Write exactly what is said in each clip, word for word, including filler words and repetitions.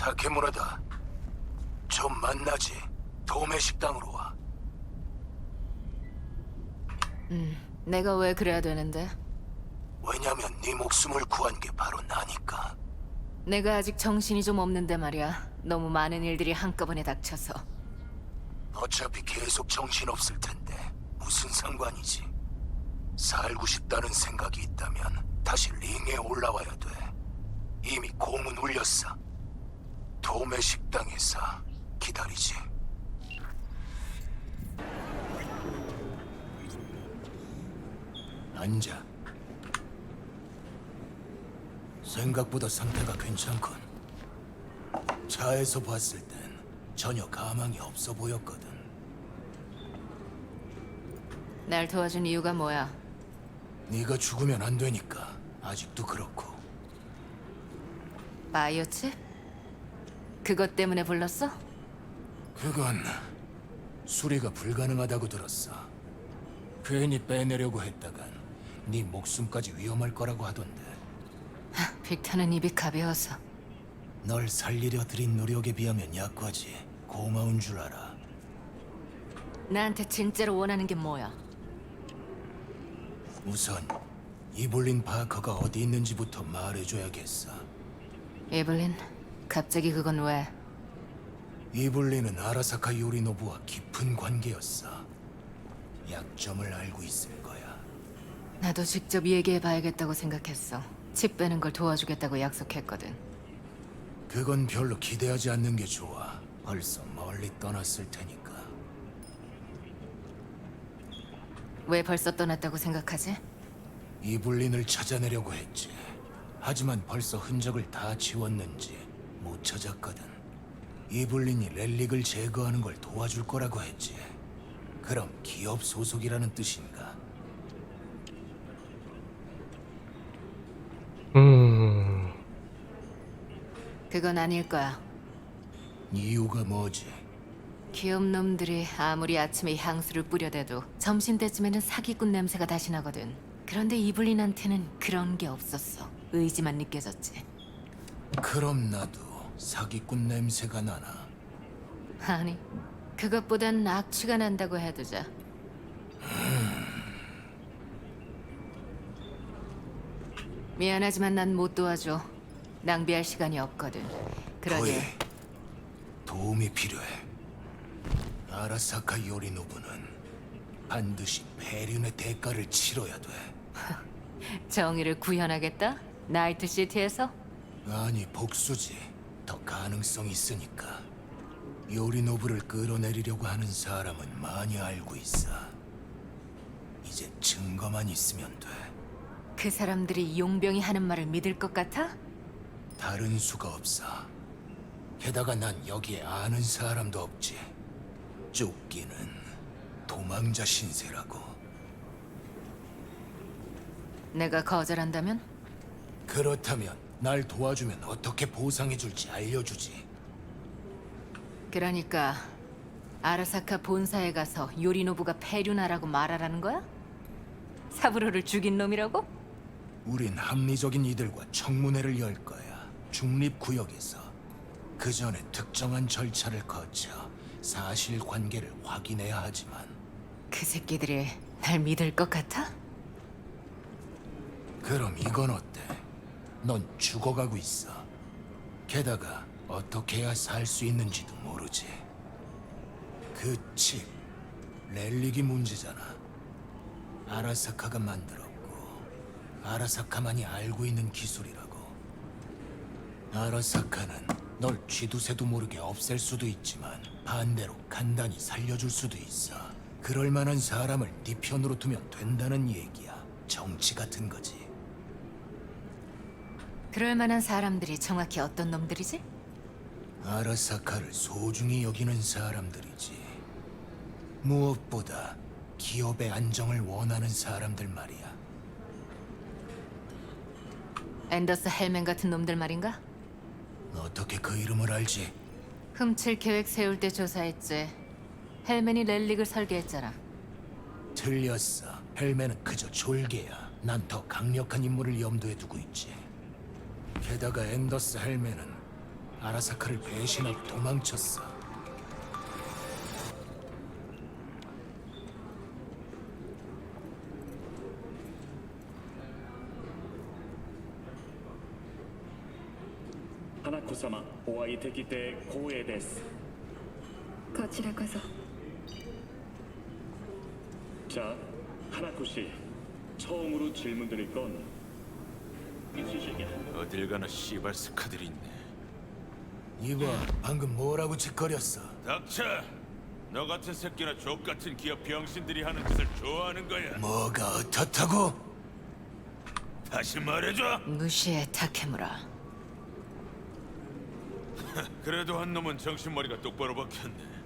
타케무라다. 좀 만나지. 도매 식당으로 와. 음, 내가 왜 그래야 되는데? 왜냐면 네 목숨을 구한 게 바로 나니까. 내가 아직 정신이 좀 없는데 말이야. 너무 많은 일들이 한꺼번에 닥쳐서. 어차피 계속 정신없을 텐데 무슨 상관이지. 살고 싶다는 생각이 있다면 다시 링에 올라와야 돼. 이미 공은 울렸어. 도매 식당에서 기다리지. 앉아. 생각보다 상태가 괜찮군. 차에서 봤을 땐 전혀 가망이 없어 보였거든. 날 도와준 이유가 뭐야? 네가 죽으면 안 되니까. 아직도 그렇고. 바이오칩? 그것 때문에 불렀어? 그건 수리가 불가능하다고 들었어. 괜히 빼내려고 했다간 네 목숨까지 위험할 거라고 하던데. 빅터는 입이 가벼워서. 널 살리려 들인 노력에 비하면 약하지. 고마운 줄 알아. 나한테 진짜로 원하는 게 뭐야? 우선 이블린 바커가 어디 있는지부터 말해줘야겠어. 에블린, 갑자기 그건 왜? 이블린은 아라사카 요리노부와 깊은 관계였어. 약점을 알고 있을 거야. 나도 직접 얘기해봐야겠다고 생각했어. 칩 빼는 걸 도와주겠다고 약속했거든. 그건 별로 기대하지 않는 게 좋아. 벌써 멀리 떠났을 테니까. 왜 벌써 떠났다고 생각하지? 이블린을 찾아내려고 했지. 하지만 벌써 흔적을 다 지웠는지 못 찾았거든. 이블린이 렐릭을 제거하는 걸 도와줄 거라고 했지. 그럼 기업 소속이라는 뜻인가? 음, 그건 아닐 거야. 이유가 뭐지? 기업 놈들이 아무리 아침에 향수를 뿌려대도 점심때쯤에는 사기꾼 냄새가 다시 나거든. 그런데 이블린한테는 그런 게 없었어. 의지만 느껴졌지. 그럼 나도 사기꾼 냄새가 나나? 아니, 그것보단 악취가 난다고 해두자. 미안하지만 난 못 도와줘. 낭비할 시간이 없거든. 그러니 거의 도움이 필요해. 아라사카 요리노부는 반드시 배륜의 대가를 치러야 돼. 정의를 구현하겠다? 나이트시티에서? 아니, 복수지. 더 가능성이 있으니까. 요리노부를 끌어내리려고 하는 사람은 많이 알고 있어. 이제 증거만 있으면 돼. 그 사람들이 용병이 하는 말을 믿을 것 같아? 다른 수가 없어. 게다가 난 여기에 아는 사람도 없지. 쫓기는 도망자 신세라고. 내가 거절한다면? 그렇다면 날 도와주면 어떻게 보상해줄지 알려주지. 그러니까 아라사카 본사에 가서 요리노부가 폐륜하라고 말하라는 거야? 사부로를 죽인 놈이라고? 우린 합리적인 이들과 청문회를 열 거야. 중립구역에서. 그 전에 특정한 절차를 거쳐 사실관계를 확인해야 하지만. 그 새끼들이 날 믿을 것 같아? 그럼 이건 어때? 넌 죽어가고 있어. 게다가 어떻게 해야 살 수 있는지도 모르지. 그 칩, 렐릭이 문제잖아. 아라사카가 만들었고 아라사카만이 알고 있는 기술이라고. 아라사카는 널 쥐두새도 모르게 없앨 수도 있지만 반대로 간단히 살려줄 수도 있어. 그럴 만한 사람을 네 편으로 두면 된다는 얘기야. 정치 같은 거지. 그럴 만한 사람들이 정확히 어떤 놈들이지? 아라사카를 소중히 여기는 사람들이지. 무엇보다 기업의 안정을 원하는 사람들 말이야. 앤더스 헬맨 같은 놈들 말인가? 어떻게 그 이름을 알지? 훔칠 계획 세울 때 조사했지. 헬맨이 렐릭을 설계했잖아. 틀렸어. 헬멘은 그저 졸개야. 난 더 강력한 인물을 염두에 두고 있지. 게다가 앤더스 헬멘은 아라사카를 배신하고 도망쳤어. 花子様、お会いできて光栄です。 こちらこそ。 자, 하나코 씨, 처음으로 질문드릴 건 있으시게 한 어딜 가나 씨발 스카들이 있네. 이봐, 방금 뭐라고 짓거렸어? 닥쳐! 너 같은 새끼나 족 같은 기업 병신들이 하는 짓을 좋아하는 거야. 뭐가 어떻다고? 다시 말해줘. 무시해, 타케무라. 그래도 한 놈은 정신머리가 똑바로 박혔네.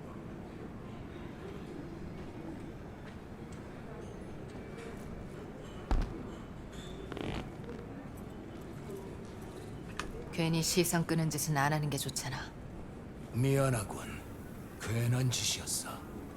괜히 시선 끄는 짓은 안 하는 게 좋잖아. 미안하군. 괜한 짓이었어.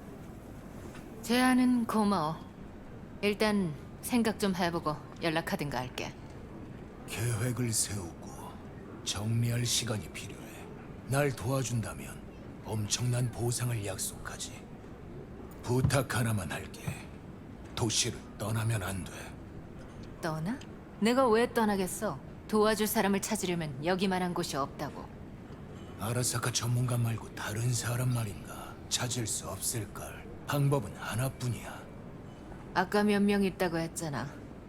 제안은 고마워. 일단 생각 좀 해보고 연락하든가 할게. 계획을 세우고 정리할 시간이 필요해. 날 도와준다면 엄청난 보상을 약속하지. 부탁 하나만 할게. 도시를 떠나면 안 돼. 떠나? 내가 왜 떠나겠어? 도와줄 사람을 찾으려면 여기만한 곳이 없다고. 아라사카 전문가 말고 다른 사람 말인가 찾을 수 없을걸. 방법은 하나뿐이야. 아까 몇 명 있다고 했잖아.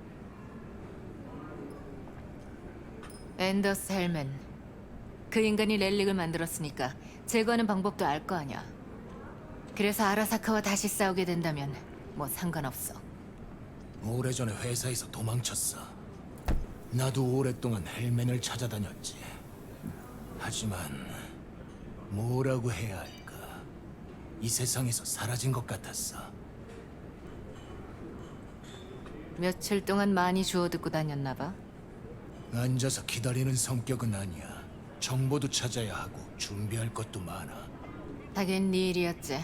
앤더스 헬맨. 그 인간이 렐릭을 만들었으니까 제거하는 방법도 알 거 아냐. 그래서 아라사카와 다시 싸우게 된다면 뭐 상관없어. 오래전에 회사에서 도망쳤어. 나도 오랫동안 헬맨을 찾아다녔지. 하지만 뭐라고 해야 할까? 이 세상에서 사라진 것 같았어. 며칠 동안 많이 주워 듣고 다녔나 봐. 앉아서 기다리는 성격은 아니야. 정보도 찾아야 하고 준비할 것도 많아. 하긴 네 일이었지.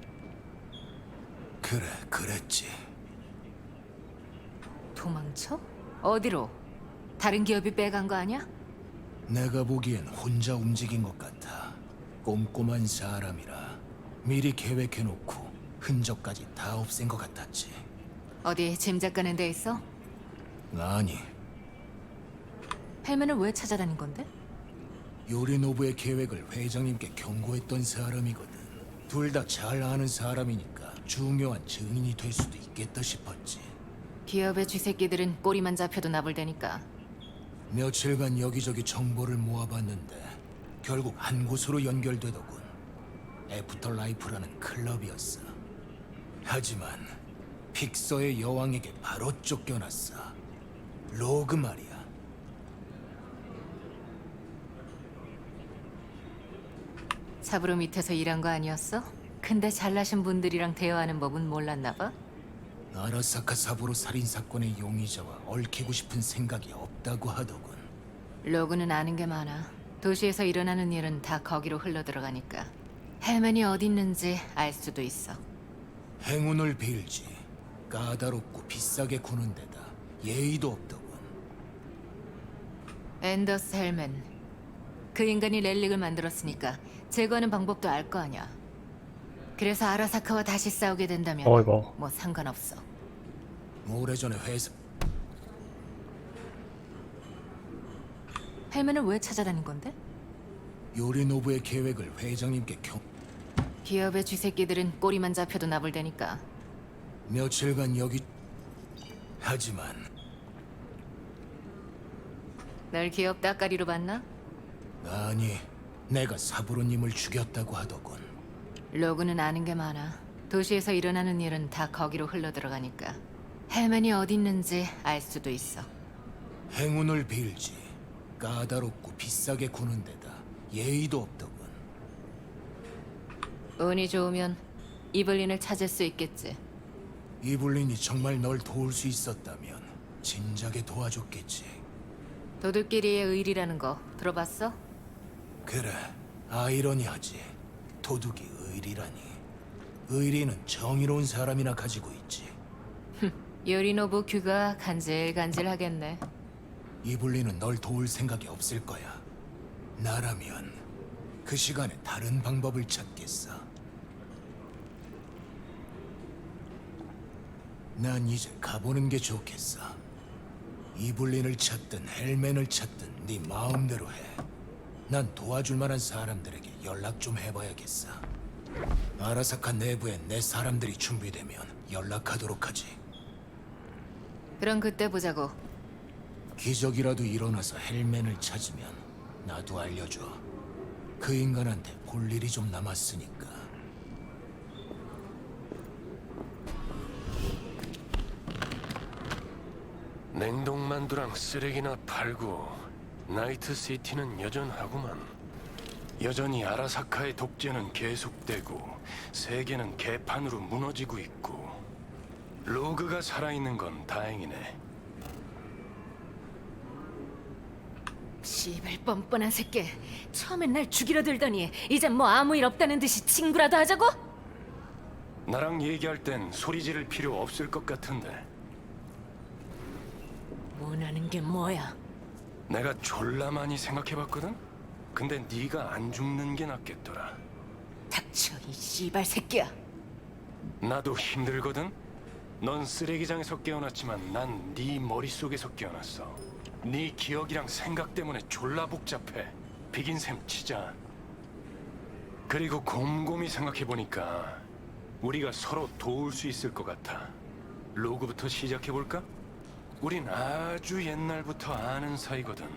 그래, 그랬지. 도망쳐? 어디로? 다른 기업이 빼간 거 아니야? 내가 보기엔 혼자 움직인 것 같아. 꼼꼼한 사람이라 미리 계획해놓고 흔적까지 다 없앤 것 같았지. 어디 짐작 가는 데 있어? 아니, 헬맨을 왜 찾아다닌 건데? 요리노부의 계획을 회장님께 경고했던 사람이거든. 둘 다 잘 아는 사람이니까 중요한 증인이 될 수도 있겠다 싶었지. 기업의 쥐새끼들은 꼬리만 잡혀도 나불대니까. 며칠간 여기저기 정보를 모아봤는데 결국 한 곳으로 연결되더군. 애프터 라이프라는 클럽이었어. 하지만 픽서의 여왕에게 바로 쫓겨났어. 로그 말이야. 사부로 밑에서 일한 거 아니었어? 근데 잘나신 분들이랑 대화하는 법은 몰랐나 봐? 아라사카 사부로 살인 사건의 용의자와 얽히고 싶은 생각이 없다고 하더군. 로그는 아는 게 많아. 도시에서 일어나는 일은 다 거기로 흘러들어가니까. 헬맨이 어디 있는지 알 수도 있어. 행운을 빌지. 까다롭고 비싸게 구는 데다 예의도 없더군. 앤더스 헬맨. 그 인간이 렐릭을 만들었으니까 제거하는 방법도 알 거 아냐. 그래서 아라사카와 다시 싸우게 된다면 어이구. 뭐 상관없어. 오래전에 회사 헬맨을 왜 찾아다닌 건데? 요리노부의 계획을 회장님께 경... 기업의 쥐새끼들은 꼬리만 잡혀도 나불대니까. 며칠간 여기... 하지만 널 기업 따까리로 봤나? 아니, 내가 사부로님을 죽였다고 하더군. 로그는 아는 게 많아. 도시에서 일어나는 일은 다 거기로 흘러들어가니까. 헬맨이 어디 있는지 알 수도 있어. 행운을 빌지. 까다롭고 비싸게 구는 데다 예의도 없더군. 운이 좋으면 이블린을 찾을 수 있겠지. 이블린이 정말 널 도울 수 있었다면 진작에 도와줬겠지. 도둑끼리의 의리라는 거 들어봤어? 그래, 아이러니하지. 도둑이 의리라니. 의리는 정의로운 사람이나 가지고 있지. 요리노부 귀가 간질간질하겠네. 이블린은 널 도울 생각이 없을 거야. 나라면 그 시간에 다른 방법을 찾겠어. 난 이제 가보는 게 좋겠어. 이블린을 찾든 헬멘을 찾든 네 마음대로 해. 난 도와줄 만한 사람들에게 연락 좀 해봐야겠어. 아라사카 내부에 내 사람들이 준비되면 연락하도록 하지. 그럼 그때 보자고. 기적이라도 일어나서 헬멘을 찾으면 나도 알려줘. 그 인간한테 볼 일이 좀 남았으니까. 냉동만두랑 쓰레기나 팔고 나이트시티는 여전하구만. 여전히 아라사카의 독재는 계속되고 세계는 개판으로 무너지고 있고 로그가 살아있는 건 다행이네. 씨발 뻔뻔한 새끼. 처음엔 날 죽이려 들더니 이젠 뭐 아무 일 없다는 듯이 친구라도 하자고? 나랑 얘기할 땐 소리 지를 필요 없을 것 같은데. 원하는 게 뭐야? 내가 졸라 많이 생각해봤거든? 근데 네가 안 죽는 게 낫겠더라. 닥쳐 이 씨발 새끼야. 나도 힘들거든? 넌 쓰레기장에서 깨어났지만 난 네 머릿속에서 깨어났어. 네 기억이랑 생각 때문에 졸라 복잡해. 비긴 셈 치자. 그리고 곰곰이 생각해보니까 우리가 서로 도울 수 있을 것 같아. 로그부터 시작해볼까? 우린 아주 옛날부터 아는 사이거든.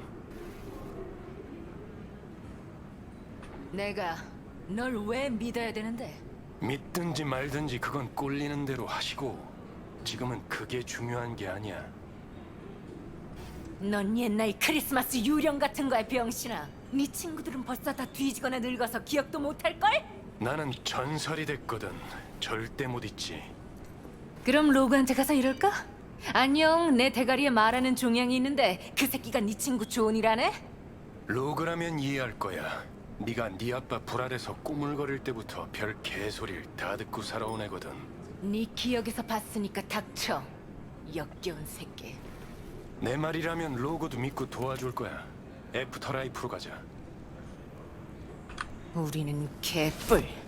내가 널 왜 믿어야 되는데? 믿든지 말든지 그건 꼴리는 대로 하시고 지금은 그게 중요한 게 아니야. 넌 옛날 크리스마스 유령 같은 거야 병신아. 네 친구들은 벌써 다 뒤지거나 늙어서 기억도 못할걸? 나는 전설이 됐거든. 절대 못 잊지. 그럼 로그한테 가서 이럴까? 안녕, 내 대가리에 말하는 종양이 있는데 그 새끼가 네 친구 조은이라네? 로그라면 이해할 거야. 네가 네 아빠 불알에서 꾸물거릴 때부터 별 개소리를 다 듣고 살아온 애거든. 네 기억에서 봤으니까 닥쳐. 역겨운 새끼. 내 말이라면 로그도 믿고 도와줄 거야. 애프터라이프로 가자. 우리는 개뿔.